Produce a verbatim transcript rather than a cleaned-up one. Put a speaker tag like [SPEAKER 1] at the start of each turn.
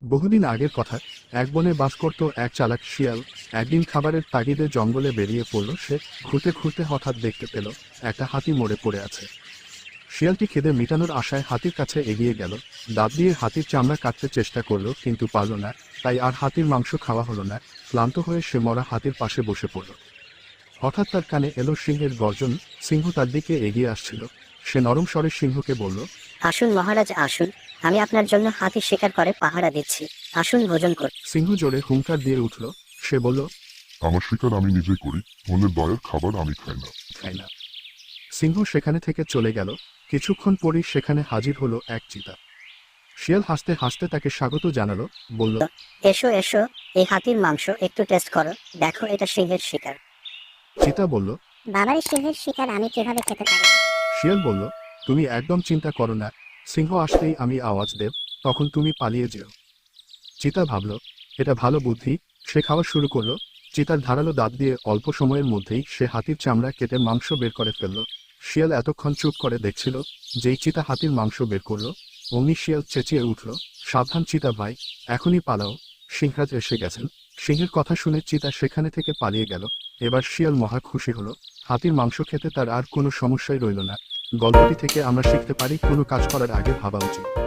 [SPEAKER 1] বহুদিন আগের কথা। এক বনে বাস করত এক চালাক শিয়াল। একদিন খাবারের তাগিদে জঙ্গলে বেরিয়ে পড়ল সে। ঘুরতে ঘুরতে হঠাৎ দেখতে পেল একটা হাতি মরে পড়ে আছে। শিয়ালটি খিদে মেটানোর আশায় হাতির কাছে এগিয়ে গেল। দাঁত দিয়ে হাতির চামড়া কাটতে চেষ্টা করলো, কিন্তু পারল না। তাই আর হাতির মাংস খাওয়া হলো না। ক্লান্ত হয়ে সে মরা হাতির পাশে বসে পড়ল। হঠাৎ তার কানে এলো সিংহের গর্জন। সিংহ তার দিকে এগিয়ে আসছিল। সে নরম স্বরে সিংহকে বলল,
[SPEAKER 2] আসুন মহারাজ আসুন, আমি আপনার জন্য হাতি শিকার করে পাহারা দিচ্ছি, আসুন ভোজন করুন।
[SPEAKER 1] সিংহ জোরে হুঙ্কার দিয়ে উঠল। সে বলল,
[SPEAKER 3] আমার শিকার আমি নিজেই করি, অন্যের দয়ের খাবার আমি খাই না।
[SPEAKER 1] খাই না। সিংহ সেখানে থেকে চলে গেল। কিছুক্ষণ পরই সেখানে হাজির হলো এক চিতা। শিয়াল হাসতে হাসতে তাকে স্বাগত জানালো, বলল,
[SPEAKER 2] এসো এসো, এই হাতির মাংস একটু টেস্ট করো, দেখো এটা সিংহের শিকার।
[SPEAKER 1] চিতা বলল।
[SPEAKER 4] বাবারে, সিংহের শিকার আমি কিভাবে খেতে পারি?
[SPEAKER 1] শিয়াল বলল, তুমি একদম চিন্তা করো না, সিংহ আসতেই আমি আওয়াজ দেব, তখন তুমি পালিয়ে যেও। চিতা ভাবল, এটা ভালো বুদ্ধি। সে খাওয়া শুরু করলো। চিতার ধারালো দাঁত দিয়ে অল্প সময়ের মধ্যেই সে হাতির চামড়া কেটে মাংস বের করে ফেলল। শিয়াল এতক্ষণ চুপ করে দেখছিল। যেই চিতা হাতির মাংস বের করলো, অমনি শিয়াল চেঁচিয়ে উঠল, সাবধান চিতা ভাই, এখনই পালাও, সিংহরাজ এসে গেছেন। সিংহের কথা শুনে চিতা সেখানে থেকে পালিয়ে গেল। এবার শিয়াল মহা খুশি হলো। হাতির মাংস খেতে তার আর কোনো সমস্যাই রইল না। গল্পটি থেকে আমরা শিখতে পারি, কোনো কাজ করার আগে ভাবা উচিত।